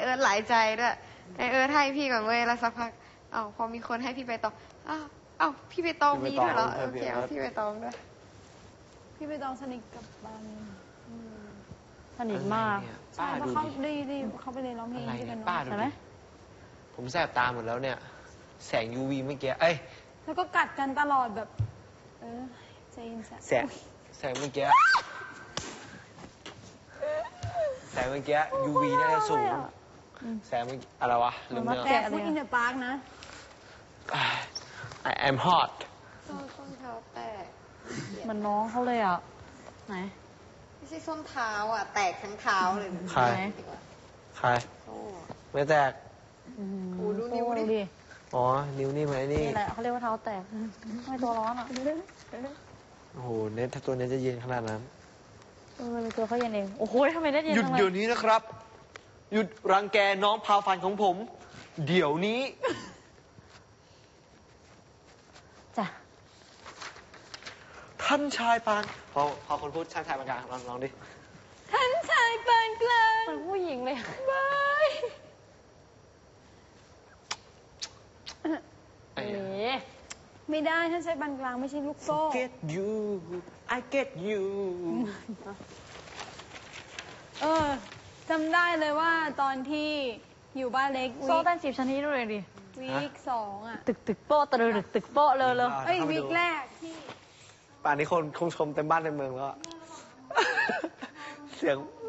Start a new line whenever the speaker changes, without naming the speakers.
อิร์ธหลายใจด้วยไอเอิร์ธให้พี่ก่อนเว้ยแล้วสักพักพอมีคนให้พี่ใบตองพี่ใบตองมีด้วยเหรอโอเคพี่ใบตองด้วย
พี่ใบตองสนิทกับบัน
สนิทมาก
ใช่เพราะเขาดีเขาไปเรียนร้องเพลงที่กันใช่ไหม
ผมแสบตาหมดแล้วเนี่ยแสง UV เมื่อกี้
แล้วก็กัดกันตลอดแบบใจเย็น
แสงเมื่อกี้UV น่าจะสูงแสงอะไรวะลืมเนื้อ
แต่พูดอินเดอะปาร์กนะ
I am hot
ส้นเท้าแตก
มันน้องเขาเลยอ่ะไหน
ไม่ใช่ส้นเท้าแตกทั้งเท้าเลย
ใครไม่แตก
ดูนิ้วดิ
อ๋อนิ้วนี่ไหมนี่
แหละเขาเรียกว่าเท้าแตกไม่ตัวร้อนอ่ะ
โอ้โหเน็ตถ้าตัวเน็ตจะเย็นขนาดนั้น
เป็นตัวเขาเย็นเองโอ้โหทำไมเน็ตเย็น
หยุดเดี๋ยวนี้นะครับหยุดรังแกน้องพาฟันของผมเดี๋ยวนี้
จ้ะ
ท่านชายปานพอคนพูดท่านชายปานกลางลองดิ
ท่านชายปานกลาง
เป็นผู้หญิงเลย
บายไม่ได้ท่านชายปานกลางไม่ใช่ลูกโซ่
Get you I get you
จำได้เลยว่าตอนที่อยู่บ้านเล็ก
โซ่เต้น10 ชนิดด้วยดิ
วีค2
ตึกโป๊ะตึกโป๊ะเลย
วีคแรกที่
ป่านนี้คนคงชมเต็มบ้านเต็มเมืองแล้วเสียง